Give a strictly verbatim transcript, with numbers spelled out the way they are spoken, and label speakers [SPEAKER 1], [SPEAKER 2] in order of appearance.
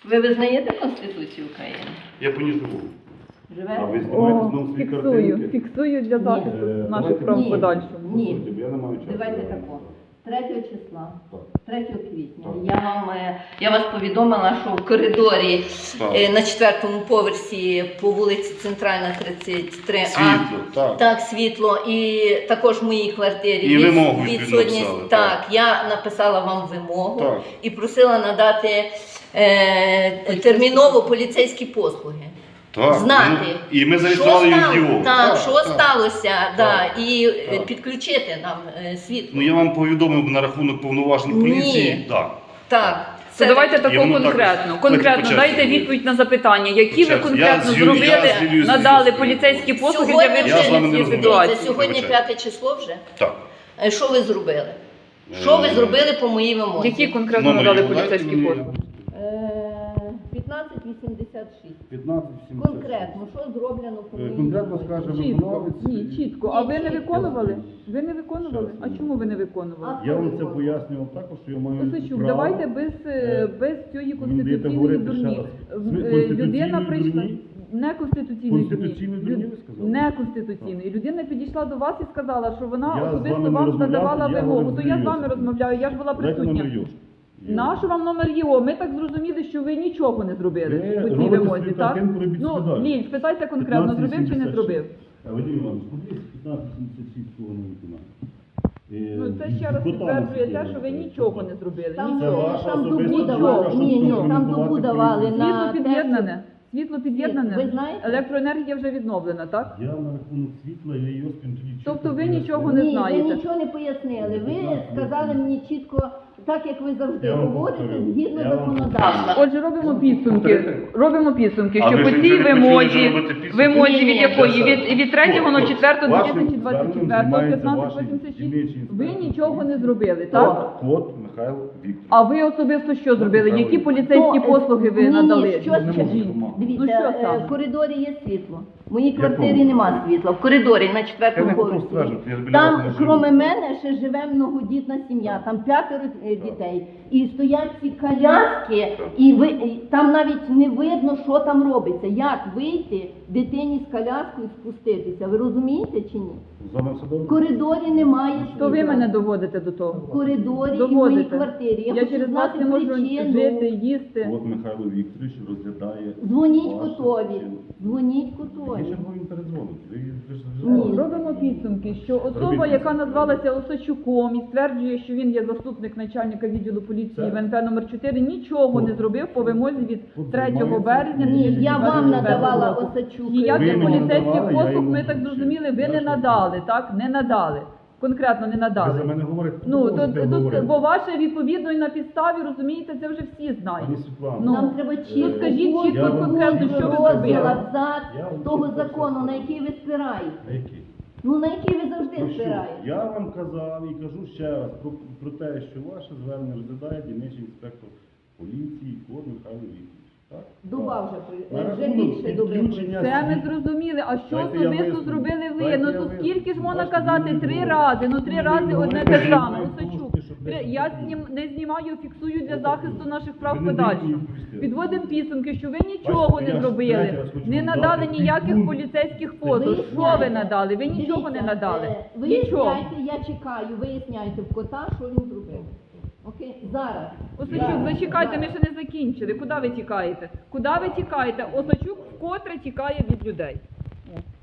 [SPEAKER 1] Ви визнаєте Конституцію України?
[SPEAKER 2] Я по ній живу.
[SPEAKER 1] Живете?
[SPEAKER 2] А ви знімаєте
[SPEAKER 3] О,
[SPEAKER 2] знову свої
[SPEAKER 3] фіксую,
[SPEAKER 2] картинки?
[SPEAKER 3] фіксую для захисту
[SPEAKER 2] Е,
[SPEAKER 3] наших
[SPEAKER 2] давайте-
[SPEAKER 3] прав в
[SPEAKER 1] Ні.
[SPEAKER 3] подальшому.
[SPEAKER 1] Ні.
[SPEAKER 2] Слухайте, бо я не маю часу.
[SPEAKER 1] Давайте тако. третього числа,
[SPEAKER 2] Так.
[SPEAKER 1] третього квітня,
[SPEAKER 2] Так.
[SPEAKER 1] я вам е, я вас повідомила, що в коридорі
[SPEAKER 2] Так.
[SPEAKER 1] е, на четвертому поверсі по вулиці Центральна тридцять три А.
[SPEAKER 2] Світло, так.
[SPEAKER 1] Так, світло. І також в моїй квартирі
[SPEAKER 2] І
[SPEAKER 1] від-
[SPEAKER 2] вимогу відповідно
[SPEAKER 1] відсутність.
[SPEAKER 2] написали,
[SPEAKER 1] Так,
[SPEAKER 2] так.
[SPEAKER 1] я написала вам вимогу
[SPEAKER 2] Так.
[SPEAKER 1] і просила надати е, терміново поліцейські послуги.
[SPEAKER 2] Так.
[SPEAKER 1] Знати,
[SPEAKER 2] Ну, і ми
[SPEAKER 1] що
[SPEAKER 2] зареєстрували
[SPEAKER 1] стало-
[SPEAKER 2] ЮДІО.
[SPEAKER 1] Так,
[SPEAKER 2] Так,
[SPEAKER 1] що
[SPEAKER 2] так.
[SPEAKER 1] сталося, да, і е,
[SPEAKER 2] Так.
[SPEAKER 1] підключити нам е, світло.
[SPEAKER 2] Ну я вам повідомив на рахунок повноважень поліції.
[SPEAKER 1] Ні.
[SPEAKER 2] Так.
[SPEAKER 1] Так.
[SPEAKER 3] То давайте
[SPEAKER 2] І
[SPEAKER 3] тако
[SPEAKER 2] воно
[SPEAKER 3] конкретно.
[SPEAKER 2] так-
[SPEAKER 3] Конкретно
[SPEAKER 2] Давайте по
[SPEAKER 3] дайте
[SPEAKER 2] черзі.
[SPEAKER 3] відповідь на запитання, які
[SPEAKER 2] По
[SPEAKER 3] ви
[SPEAKER 2] черзі.
[SPEAKER 3] конкретно
[SPEAKER 2] Я з Юлією-
[SPEAKER 3] зробили,
[SPEAKER 2] я з Юлією
[SPEAKER 3] надали
[SPEAKER 2] зв'язку.
[SPEAKER 3] поліцейські послуги для
[SPEAKER 1] Сьогодні
[SPEAKER 3] вирішення
[SPEAKER 2] Я з вами не
[SPEAKER 3] цієї
[SPEAKER 2] розмовляю.
[SPEAKER 3] ситуації.
[SPEAKER 1] Дивіться, сьогодні
[SPEAKER 2] Вибачайте.
[SPEAKER 1] п'яте число вже.
[SPEAKER 2] Так.
[SPEAKER 1] Е, Що ви зробили? Що ви
[SPEAKER 2] Е,
[SPEAKER 1] зробили по моїй вимозі?
[SPEAKER 3] Які конкретно
[SPEAKER 2] Номер
[SPEAKER 3] надали
[SPEAKER 2] його дайте
[SPEAKER 3] поліцейські
[SPEAKER 2] мені.
[SPEAKER 3] послуги?
[SPEAKER 1] Е, п'ятнадцять вісімдесят шість.
[SPEAKER 2] п'ятнадцять сімдесят шість.
[SPEAKER 1] Конкретно, що зроблено по
[SPEAKER 2] Е,
[SPEAKER 1] моїй
[SPEAKER 2] конкретно
[SPEAKER 1] вимозі?
[SPEAKER 2] скаже
[SPEAKER 3] Чітко.
[SPEAKER 2] виконавець.
[SPEAKER 3] Ні, чітко. А ви не
[SPEAKER 1] Ні,
[SPEAKER 3] виконували? Ви не виконували?
[SPEAKER 2] Ще
[SPEAKER 3] А
[SPEAKER 2] раз.
[SPEAKER 3] чому ви не виконували?
[SPEAKER 1] А
[SPEAKER 2] Я вам це пояснював також, що я маю
[SPEAKER 3] Осичук,
[SPEAKER 2] право.
[SPEAKER 3] давайте без, е,
[SPEAKER 2] Е,
[SPEAKER 3] без цієї
[SPEAKER 2] мені даєте
[SPEAKER 3] конституційної
[SPEAKER 2] говорити
[SPEAKER 3] дурні.
[SPEAKER 2] ще раз.
[SPEAKER 3] В-
[SPEAKER 2] Ми-
[SPEAKER 3] е,
[SPEAKER 2] конституційної
[SPEAKER 3] Людина прийшла.
[SPEAKER 2] дурні?
[SPEAKER 3] Не конституційної
[SPEAKER 2] Конституційної дурні ви сказали?
[SPEAKER 3] Не конституційної. Людина підійшла до вас і сказала, що вона
[SPEAKER 2] Я з
[SPEAKER 3] особисто
[SPEAKER 2] вами не
[SPEAKER 3] вам
[SPEAKER 2] розмовляв,
[SPEAKER 3] надавала
[SPEAKER 2] я
[SPEAKER 3] вимогу.
[SPEAKER 2] говорив
[SPEAKER 3] То
[SPEAKER 2] з
[SPEAKER 3] я з
[SPEAKER 2] Юрієм.
[SPEAKER 3] вами розмовляю, я ж була
[SPEAKER 2] Дайте
[SPEAKER 3] присутня.
[SPEAKER 2] номер Йош.
[SPEAKER 3] Нащо вам номер ЄО? Ми так зрозуміли, що ви нічого не зробили
[SPEAKER 2] Ви
[SPEAKER 3] по цій
[SPEAKER 2] робите
[SPEAKER 3] вимозі,
[SPEAKER 2] собі
[SPEAKER 3] так?
[SPEAKER 2] картинку, робіть
[SPEAKER 3] Ну,
[SPEAKER 2] собі далі.
[SPEAKER 3] Ліль, спитайся конкретно, зробив чи не зробив?
[SPEAKER 2] А Вадим Іванович, подивіться, п'ятнадцять сімдесят шість цього не виконання. Е,
[SPEAKER 3] Ну, це ще раз підтверджує те, що ви нічого не зробили.
[SPEAKER 1] Там,
[SPEAKER 2] Це
[SPEAKER 3] Нічого.
[SPEAKER 2] ваша
[SPEAKER 1] там добу
[SPEAKER 2] особиста
[SPEAKER 1] давали.
[SPEAKER 2] думка,
[SPEAKER 1] Ні,
[SPEAKER 2] щоб
[SPEAKER 1] ні, там
[SPEAKER 2] прокоментувати
[SPEAKER 1] добу давали
[SPEAKER 2] поліцію.
[SPEAKER 1] на
[SPEAKER 3] Світло
[SPEAKER 1] те,
[SPEAKER 3] під'єднане. Світло під'єднане.
[SPEAKER 1] Ви знаєте?
[SPEAKER 3] Електроенергія вже відновлена, так?
[SPEAKER 2] Я на рахунок світла, я її тоді чітко
[SPEAKER 3] Тобто ви
[SPEAKER 2] пояснив.
[SPEAKER 3] нічого не
[SPEAKER 1] Ні,
[SPEAKER 3] знаєте.
[SPEAKER 1] ви нічого не пояснили. Ви сказали мені чітко, так як ви завжди
[SPEAKER 2] Я вам
[SPEAKER 1] говорите,
[SPEAKER 2] повторю.
[SPEAKER 1] згідно
[SPEAKER 2] Я вам
[SPEAKER 1] законодавства.
[SPEAKER 3] Отже, робимо підсумки.
[SPEAKER 2] Повторити?
[SPEAKER 3] Робимо підсумки,
[SPEAKER 2] А
[SPEAKER 3] що
[SPEAKER 2] ви
[SPEAKER 3] по
[SPEAKER 2] ж
[SPEAKER 3] цій
[SPEAKER 2] нічого не
[SPEAKER 3] вимозі,
[SPEAKER 2] почали робити підсумки?
[SPEAKER 3] вимозі
[SPEAKER 1] Ні,
[SPEAKER 3] від
[SPEAKER 1] ні,
[SPEAKER 3] якої?
[SPEAKER 2] я
[SPEAKER 3] Від, від третього
[SPEAKER 2] От,
[SPEAKER 3] на четвертого
[SPEAKER 2] вашим
[SPEAKER 3] дві тисячі двадцять четвертого
[SPEAKER 2] зверненням
[SPEAKER 3] п'ятнадцять
[SPEAKER 2] займається
[SPEAKER 3] вісімдесят
[SPEAKER 2] ваш дільничний
[SPEAKER 3] шість. Ви
[SPEAKER 2] інспектор.
[SPEAKER 3] нічого не зробили, так?
[SPEAKER 2] Кот Михайло Вікторович.
[SPEAKER 3] А ви особисто що зробили?
[SPEAKER 2] Михайло
[SPEAKER 3] Які
[SPEAKER 2] Вікторович.
[SPEAKER 3] поліцейські
[SPEAKER 1] То,
[SPEAKER 3] послуги ви
[SPEAKER 1] ні, ні,
[SPEAKER 3] надали?
[SPEAKER 1] що-
[SPEAKER 2] Не можу
[SPEAKER 3] Скажіть.
[SPEAKER 2] помагати.
[SPEAKER 1] Дивіться,
[SPEAKER 3] Ну, що
[SPEAKER 1] е,
[SPEAKER 3] саме?
[SPEAKER 1] в коридорі є світло. В моїй
[SPEAKER 2] Якому?
[SPEAKER 1] квартирі нема світла. В коридорі на
[SPEAKER 2] Я
[SPEAKER 1] четвертому
[SPEAKER 2] не готов
[SPEAKER 1] поверсі.
[SPEAKER 2] стверджувати, я біля
[SPEAKER 1] Там,
[SPEAKER 2] вас не живу.
[SPEAKER 1] крім мене, ще живе многодітна сім'я. Там п'ятеро е, дітей. І стоять ці коляски, і ви і там навіть не видно, що там робиться. Як вийти дитині з коляскою і спуститися? Ви розумієте чи ні?
[SPEAKER 2] З вами все
[SPEAKER 1] В
[SPEAKER 2] добре?
[SPEAKER 1] коридорі немає світла.
[SPEAKER 3] То ви мене доводите до
[SPEAKER 1] в
[SPEAKER 3] того.
[SPEAKER 1] коридорі і в моїй
[SPEAKER 3] Доводите.
[SPEAKER 1] квартирі. Я,
[SPEAKER 3] Я
[SPEAKER 1] хочу
[SPEAKER 3] через вас
[SPEAKER 1] знати
[SPEAKER 3] не можу
[SPEAKER 1] причину.
[SPEAKER 3] жити, їсти.
[SPEAKER 2] От Михайло Вікторович розглядає.
[SPEAKER 1] Дзвоніть
[SPEAKER 2] вашу
[SPEAKER 1] котові.
[SPEAKER 2] причину.
[SPEAKER 1] Дзвоніть
[SPEAKER 2] Який
[SPEAKER 1] котові.
[SPEAKER 2] черговий він передзвонить? Ви ви ж
[SPEAKER 1] Ні.
[SPEAKER 2] завжди-
[SPEAKER 3] Робимо підсумки, що особа,
[SPEAKER 2] Робіть
[SPEAKER 3] яка
[SPEAKER 2] підсумки.
[SPEAKER 3] назвалася Осачуком і стверджує, що він є заступник начальника відділу поліції
[SPEAKER 2] Це-
[SPEAKER 3] В Н П номер чотири, нічого не зробив по вимозі від
[SPEAKER 2] Тут
[SPEAKER 3] третього
[SPEAKER 2] займається-
[SPEAKER 3] березня
[SPEAKER 1] Ні,
[SPEAKER 3] дві тисячі
[SPEAKER 1] я
[SPEAKER 3] двадцять
[SPEAKER 1] вам
[SPEAKER 3] четвертого
[SPEAKER 1] надавала
[SPEAKER 3] року.
[SPEAKER 1] Осачук.
[SPEAKER 3] Ніяких
[SPEAKER 2] Ви мені
[SPEAKER 3] поліцейських
[SPEAKER 2] надавали, я
[SPEAKER 3] послуг,
[SPEAKER 2] йому
[SPEAKER 3] ми так
[SPEAKER 2] вручив.
[SPEAKER 3] зрозуміли, ви
[SPEAKER 2] Я
[SPEAKER 3] не
[SPEAKER 2] ж вам
[SPEAKER 3] надали, так? Не надали. Конкретно не
[SPEAKER 2] Ви
[SPEAKER 3] надали.
[SPEAKER 2] за мене говорите, хто
[SPEAKER 3] Ну,
[SPEAKER 2] ви
[SPEAKER 3] то,
[SPEAKER 2] можете
[SPEAKER 3] то,
[SPEAKER 2] говорити?
[SPEAKER 3] бо ваше відповідно і на підставі, розумієте, це вже всі знають.
[SPEAKER 2] Пані Світлана,
[SPEAKER 3] Ну,
[SPEAKER 1] Нам треба чітко
[SPEAKER 3] скажіть чітко,
[SPEAKER 2] Я вам
[SPEAKER 3] конкретно,
[SPEAKER 2] чітко
[SPEAKER 3] що ви
[SPEAKER 2] сказав.
[SPEAKER 3] зробили.
[SPEAKER 1] абзац
[SPEAKER 2] Я вам
[SPEAKER 1] того
[SPEAKER 2] чітко
[SPEAKER 1] закону,
[SPEAKER 2] сказав.
[SPEAKER 1] на який ви спираєте.
[SPEAKER 2] на який?
[SPEAKER 1] Ну на який ви завжди
[SPEAKER 2] Ну, що?
[SPEAKER 1] спираєте.
[SPEAKER 2] Я вам казав і кажу ще раз про, про те, що ваше звернення розглядає дільничний інспектор поліції Кот Михайло Вікторович. Так?
[SPEAKER 1] Дуба вже, при-
[SPEAKER 2] На
[SPEAKER 1] вже
[SPEAKER 2] рахунок
[SPEAKER 1] більше доби.
[SPEAKER 2] підключення
[SPEAKER 3] Це ми
[SPEAKER 2] світ-
[SPEAKER 3] зрозуміли. А що
[SPEAKER 2] Дайте я
[SPEAKER 3] особисто
[SPEAKER 2] виясню.
[SPEAKER 3] зробили ви?
[SPEAKER 2] Дайте
[SPEAKER 3] Ну
[SPEAKER 2] я
[SPEAKER 3] то
[SPEAKER 2] виясню.
[SPEAKER 3] скільки ж можна
[SPEAKER 2] Бачите,
[SPEAKER 3] казати
[SPEAKER 2] мені
[SPEAKER 3] три
[SPEAKER 2] говорять.
[SPEAKER 3] рази? Ну три
[SPEAKER 2] Мені
[SPEAKER 3] рази одне
[SPEAKER 2] говорять,
[SPEAKER 3] те
[SPEAKER 2] що
[SPEAKER 3] саме.
[SPEAKER 2] я маю
[SPEAKER 3] Осачук.
[SPEAKER 2] кошти, щоб
[SPEAKER 3] Три-
[SPEAKER 2] десь
[SPEAKER 3] Я
[SPEAKER 2] купити.
[SPEAKER 3] знім- не знімаю, фіксую для захисту наших прав
[SPEAKER 2] Ви не
[SPEAKER 3] подальшому.
[SPEAKER 2] даєте мені відповісти.
[SPEAKER 3] Підводимо підсумки, що ви нічого
[SPEAKER 2] Бачите,
[SPEAKER 3] не
[SPEAKER 2] я ж
[SPEAKER 3] зробили,
[SPEAKER 2] третій раз хочу
[SPEAKER 3] не
[SPEAKER 2] вам
[SPEAKER 3] надали
[SPEAKER 2] дати
[SPEAKER 3] ніяких
[SPEAKER 2] пункт.
[SPEAKER 3] поліцейських послуг. Що ви
[SPEAKER 1] Виясняйте.
[SPEAKER 3] надали? Ви нічого не
[SPEAKER 1] Дивіться,
[SPEAKER 3] надали.
[SPEAKER 1] е,
[SPEAKER 3] Нічого.
[SPEAKER 1] Виясняйте, я чекаю, виясняйте в кота, що він зробив. Окей? Зараз.
[SPEAKER 3] Осачук,
[SPEAKER 1] Зараз.
[SPEAKER 3] зачекайте, ми
[SPEAKER 1] Зараз.
[SPEAKER 3] ще не закінчили. Куди ви тікаєте? Куди ви тікаєте? Осачук вкотре тікає від людей. О.